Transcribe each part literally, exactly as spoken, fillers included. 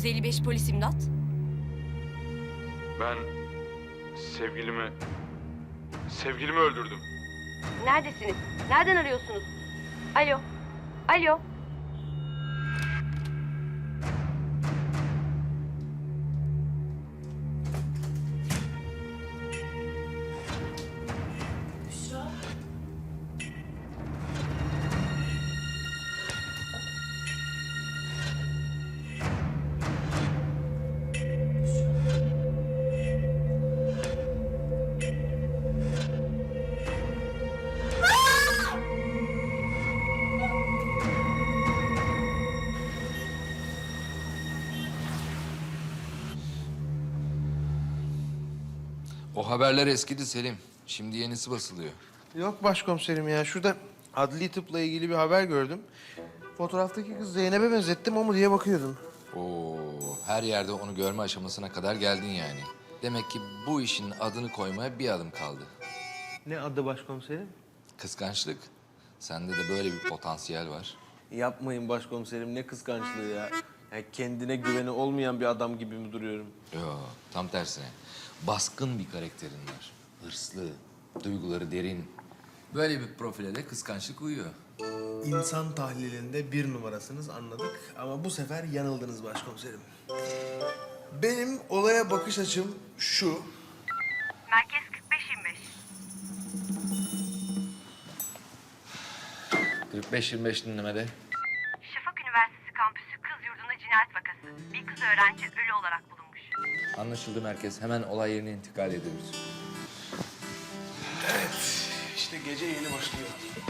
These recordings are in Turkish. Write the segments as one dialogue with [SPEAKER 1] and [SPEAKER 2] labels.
[SPEAKER 1] yüz elli beş polis imdat.
[SPEAKER 2] Ben sevgilimi... Sevgilimi öldürdüm.
[SPEAKER 1] Neredesiniz? Nereden arıyorsunuz? Alo. Alo.
[SPEAKER 3] O haberler eskidi Selim. Şimdi yenisi basılıyor.
[SPEAKER 4] Yok başkomiserim ya. Şurada adli tıpla ilgili bir haber gördüm. Fotoğraftaki kız Zeynep'e benzettim o mu diye bakıyordum.
[SPEAKER 3] Oo, her yerde onu görme aşamasına kadar geldin yani. Demek ki bu işin adını koymaya bir adım kaldı.
[SPEAKER 4] Ne adı başkomiserim?
[SPEAKER 3] Kıskançlık. Sende de böyle bir potansiyel var.
[SPEAKER 4] Yapmayın başkomiserim, ne kıskançlığı ya. Yani kendine güveni olmayan bir adam gibi mi duruyorum?
[SPEAKER 3] Yo, tam tersine. Baskın bir karakterin var. Hırslı, duyguları derin. Böyle bir profile de kıskançlık uyuyor.
[SPEAKER 4] İnsan tahlilinde bir numarasınız anladık ama bu sefer yanıldınız başkomiserim. Benim olaya bakış açım şu.
[SPEAKER 1] Merkez kırk beş yirmi beş.
[SPEAKER 3] kırk beş yirmi beş dinlemede.
[SPEAKER 1] Şafak Üniversitesi kampüsü kız yurdunda cinayet vakası. Bir kız öğrenci ölü olarak bulunmuş.
[SPEAKER 3] Anlaşıldı merkez. Hemen olay yerine intikal ediyoruz.
[SPEAKER 4] Evet, işte gece yeni başlıyor.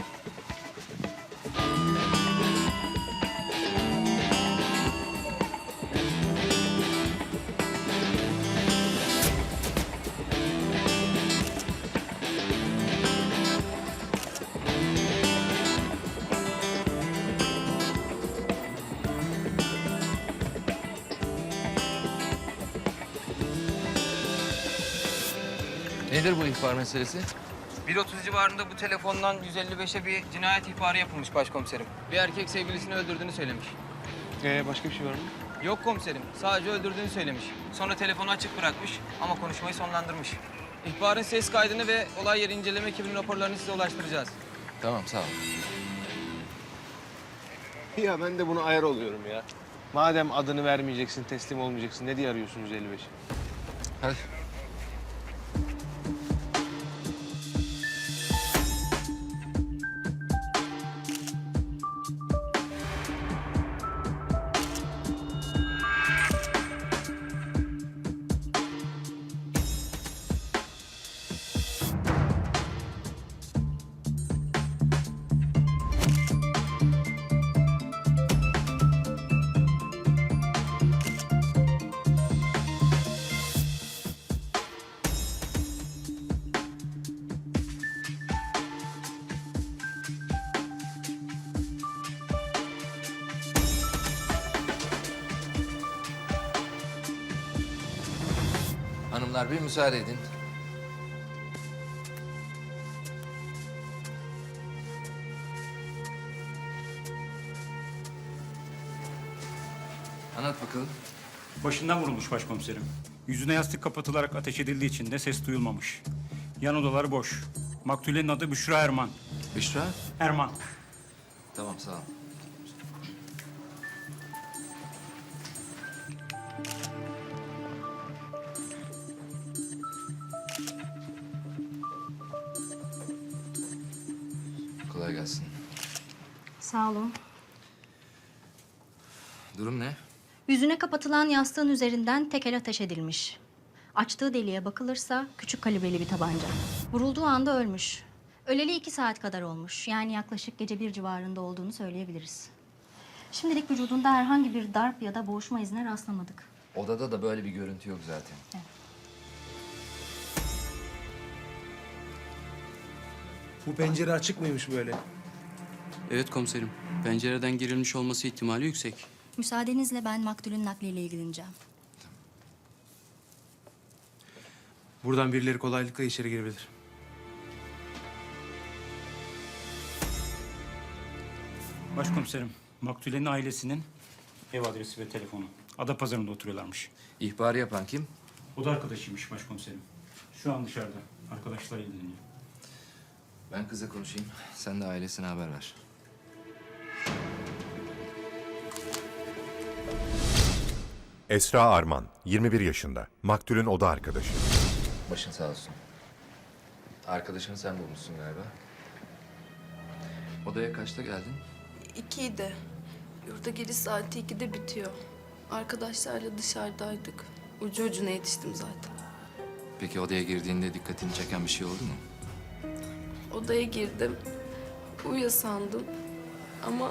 [SPEAKER 3] Nedir bu ihbar meselesi?
[SPEAKER 5] bir otuz civarında bu telefondan yüz elli beşe bir cinayet ihbarı yapılmış başkomiserim. Bir erkek sevgilisini öldürdüğünü söylemiş.
[SPEAKER 4] Ee, başka bir şey var mı?
[SPEAKER 5] Yok komiserim, sadece öldürdüğünü söylemiş. Sonra telefonu açık bırakmış ama konuşmayı sonlandırmış. İhbarın ses kaydını ve olay yeri inceleme ekibinin raporlarını size ulaştıracağız.
[SPEAKER 3] Tamam, sağ ol.
[SPEAKER 4] Ya ben de buna ayar oluyorum ya. Madem adını vermeyeceksin, teslim olmayacaksın, ne diye arıyorsun yüz elli beşi?
[SPEAKER 3] Hadi. Hanımlar bir müsaade edin. Anlat bakalım.
[SPEAKER 6] Başından vurulmuş başkomiserim. Yüzüne yastık kapatılarak ateş edildiği için de ses duyulmamış. Yan odalar boş. Maktulenin adı Büşra Erman.
[SPEAKER 3] Büşra.
[SPEAKER 6] Erman.
[SPEAKER 3] Tamam, sağ ol. Kolay gelsin.
[SPEAKER 7] Sağ olun.
[SPEAKER 3] Durum ne?
[SPEAKER 7] Yüzüne kapatılan yastığın üzerinden tekel ateş edilmiş. Açtığı deliğe bakılırsa küçük kalibreli bir tabanca. Vurulduğu anda ölmüş. Öleli iki saat kadar olmuş. Yani yaklaşık gece bir civarında olduğunu söyleyebiliriz. Şimdilik vücudunda herhangi bir darp ya da boğuşma izine rastlamadık.
[SPEAKER 3] Odada da böyle bir görüntü yok zaten.
[SPEAKER 7] Evet.
[SPEAKER 4] Bu pencere açık mıymış böyle?
[SPEAKER 8] Evet komiserim. Pencereden girilmiş olması ihtimali yüksek.
[SPEAKER 7] Müsaadenizle ben maktulün nakliyle ilgileneceğim.
[SPEAKER 4] Buradan birileri kolaylıkla içeri girebilir.
[SPEAKER 6] Başkomiserim, maktulenin ailesinin ev adresi ve telefonu. Adapazarı'nda oturuyorlarmış.
[SPEAKER 3] İhbarı yapan kim?
[SPEAKER 6] O da arkadaşıymış başkomiserim. Şu an dışarıda. Arkadaşlar ilgileniyor.
[SPEAKER 3] Ben kızla konuşayım. Sen de ailesine haber ver.
[SPEAKER 9] Esra Arman, yirmi bir yaşında. Maktulün oda arkadaşı.
[SPEAKER 3] Başın sağ olsun. Arkadaşını sen bulmuşsun galiba. Odaya kaçta geldin?
[SPEAKER 10] İkiydi. Yurda geliş saati ikide bitiyor. Arkadaşlarla dışarıdaydık. Ucu ucuna yetiştim zaten.
[SPEAKER 3] Peki odaya girdiğinde dikkatini çeken bir şey oldu mu?
[SPEAKER 10] Odaya girdim. Uyuyor sandım. Ama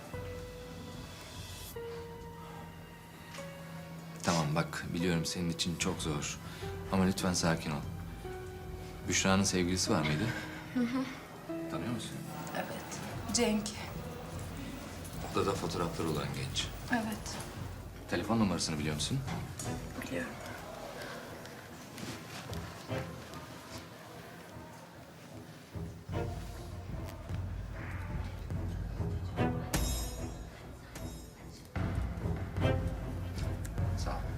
[SPEAKER 3] Tamam bak, biliyorum senin için çok zor. Ama lütfen sakin ol. Büşra'nın sevgilisi var mıydı? Hı hı. Tanıyor musun?
[SPEAKER 10] evet. Cenk.
[SPEAKER 3] Odada fotoğrafları olan genç.
[SPEAKER 10] Evet.
[SPEAKER 3] Telefon numarasını biliyor musun?
[SPEAKER 10] Biliyorum.
[SPEAKER 3] Sağ ol.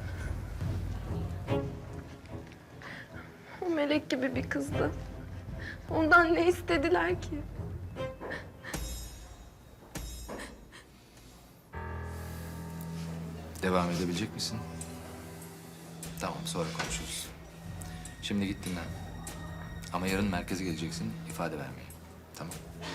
[SPEAKER 10] O melek gibi bir kızdı. Ondan ne istediler ki?
[SPEAKER 3] Devam edebilecek misin? Tamam, sonra konuşuruz. Şimdi git dinlen. Ama yarın merkeze geleceksin, ifade vermeye. Tamam.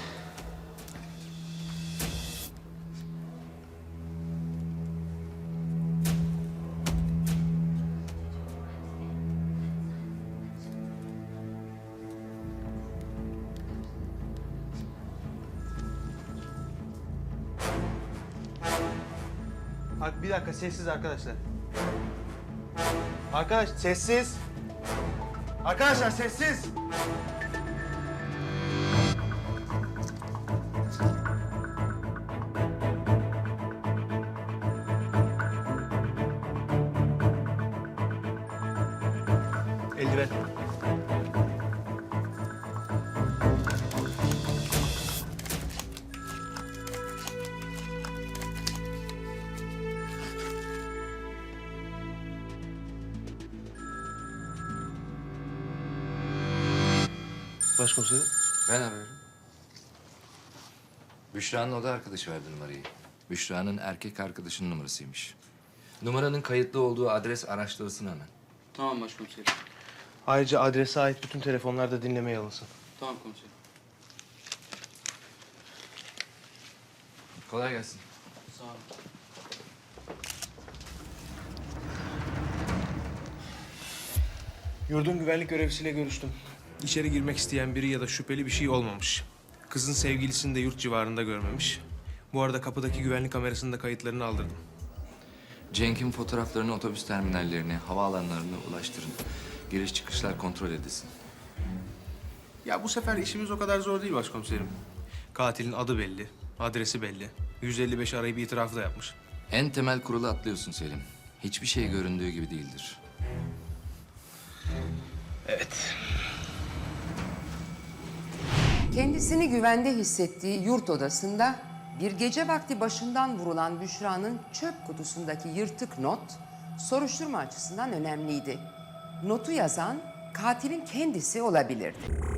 [SPEAKER 4] Bak bir dakika sessiz arkadaşlar. Arkadaş sessiz. Arkadaşlar sessiz. Eldiven. Başkomiserim.
[SPEAKER 3] Ben arıyorum. Büşra'nın oda arkadaşı verdi numarayı. Büşra'nın erkek arkadaşının numarasıymış. Numaranın kayıtlı olduğu adres araştırılsın hemen.
[SPEAKER 8] Tamam başkomiserim.
[SPEAKER 4] Ayrıca adrese ait bütün telefonlar da dinlemeye alınsın.
[SPEAKER 8] Tamam komiserim.
[SPEAKER 3] Kolay gelsin.
[SPEAKER 8] Sağ olun.
[SPEAKER 4] Yurdun güvenlik görevlisiyle görüştüm. İçeri girmek isteyen biri ya da şüpheli bir şey olmamış. Kızın sevgilisini de yurt civarında görmemiş. Bu arada kapıdaki güvenlik kamerasının da kayıtlarını aldırdım.
[SPEAKER 3] Cenk'in fotoğraflarını otobüs terminallerine, havaalanlarına ulaştırın. Giriş çıkışlar kontrol edilsin.
[SPEAKER 4] Ya bu sefer işimiz o kadar zor değil başkomiserim. Katilin adı belli, adresi belli. yüz elli beş arayıp itirafı da yapmış.
[SPEAKER 3] En temel kuralı atlıyorsun Selim. Hiçbir şey göründüğü gibi değildir.
[SPEAKER 4] Evet.
[SPEAKER 11] Kendisini güvende hissettiği yurt odasında bir gece vakti başından vurulan Büşra'nın çöp kutusundaki yırtık not soruşturma açısından önemliydi. Notu yazan katilin kendisi olabilirdi.